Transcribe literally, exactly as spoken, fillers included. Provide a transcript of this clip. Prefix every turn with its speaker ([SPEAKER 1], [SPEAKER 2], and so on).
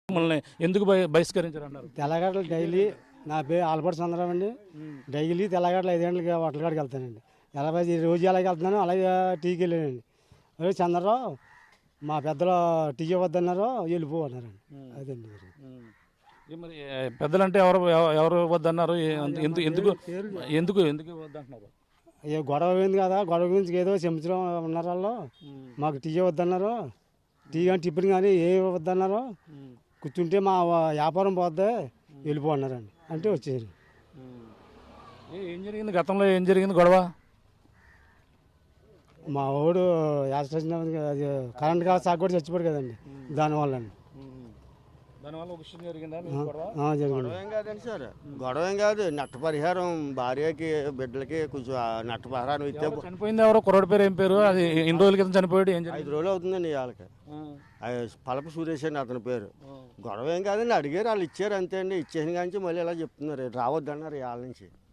[SPEAKER 1] మిమ్మల్ని ఎందుకు బహి- బహిష్కరించారు అన్నారు?
[SPEAKER 2] తెల్లగడ్డలు డైలీ నా పేరు ఆల్బర్ట్ చంద్రరావు అండి. డైలీ తెల్లగడ్డలు ఐదేళ్ళకి హోటల్ కాడికి వెళ్తానండి. ఎలా రోజు ఎలాగ వెళ్తున్నాను అలాగే టీకి వెళ్ళానండి. అదే చంద్రరావు మా పెద్దలు టీ వద్దన్నారు, వెళ్ళిపో అన్నారండి. అదండి
[SPEAKER 1] ఏ మరి ఏ, పెద్దలంటే ఎవరు ఎవ- ఎవరు వద్దన్నారు? ఏ- ఎందుకు ఎందుకు ఎందుకు ఎందుకు వద్దంటున్నారు?
[SPEAKER 2] ఏ గొడవ అయింది కదా, గొడవ గురించి ఏదో చెంచడం ఉన్నారు వాళ్ళు. మాకు టీ వద్దన్నారు, టీ కానీ టిఫిన్ కానీ ఏ వద్దన్నారు. కూర్చుంటే మా వ్యాపారం పోద్ది, వెళ్ళిపో అన్నారండి. అంటే వచ్చేసారు.
[SPEAKER 1] ఏ- ఏం జరిగింది గతంలో? ఏం జరిగింది గొడవ?
[SPEAKER 2] మా వాడు యాక్సిడెంట్ అది కరెంట్ కాదు సాగు కూడా చచ్చిపోయాడు కదండి, దానివల్ల అండి.
[SPEAKER 1] దానివల్ల ఒక విషయం జరిగిందా మీకు గొడవ?
[SPEAKER 2] జరిగింది.
[SPEAKER 3] గొడవ ఏం కాదండి సార్, గొడవ ఏం కాదు. నట్ట పరిహారం భార్యకి బిడ్డలకి కొంచెం ఆ నట్ట పరిహారం ఇస్తే
[SPEAKER 1] ఎవరు చనిపోయింది ఎవరో కుర్రోడి పేరు ఏం పేరు? అది ఎన్ని రోజుల క్రితం చనిపోయాడు? ఏం జరిగింది?
[SPEAKER 3] ఐదు రోజులు అవుతుందండి వాళ్ళకి. పలప సురేష్ అండి అతని పేరు. గొడవ ఏం కాదండి, అడిగారు వాళ్ళు ఇచ్చారు అంతే అండి. ఇచ్చేసిన కానీ మళ్ళీ ఇలా చెప్తున్నారు, రావద్దన్నారు వాళ్ళ నుంచి.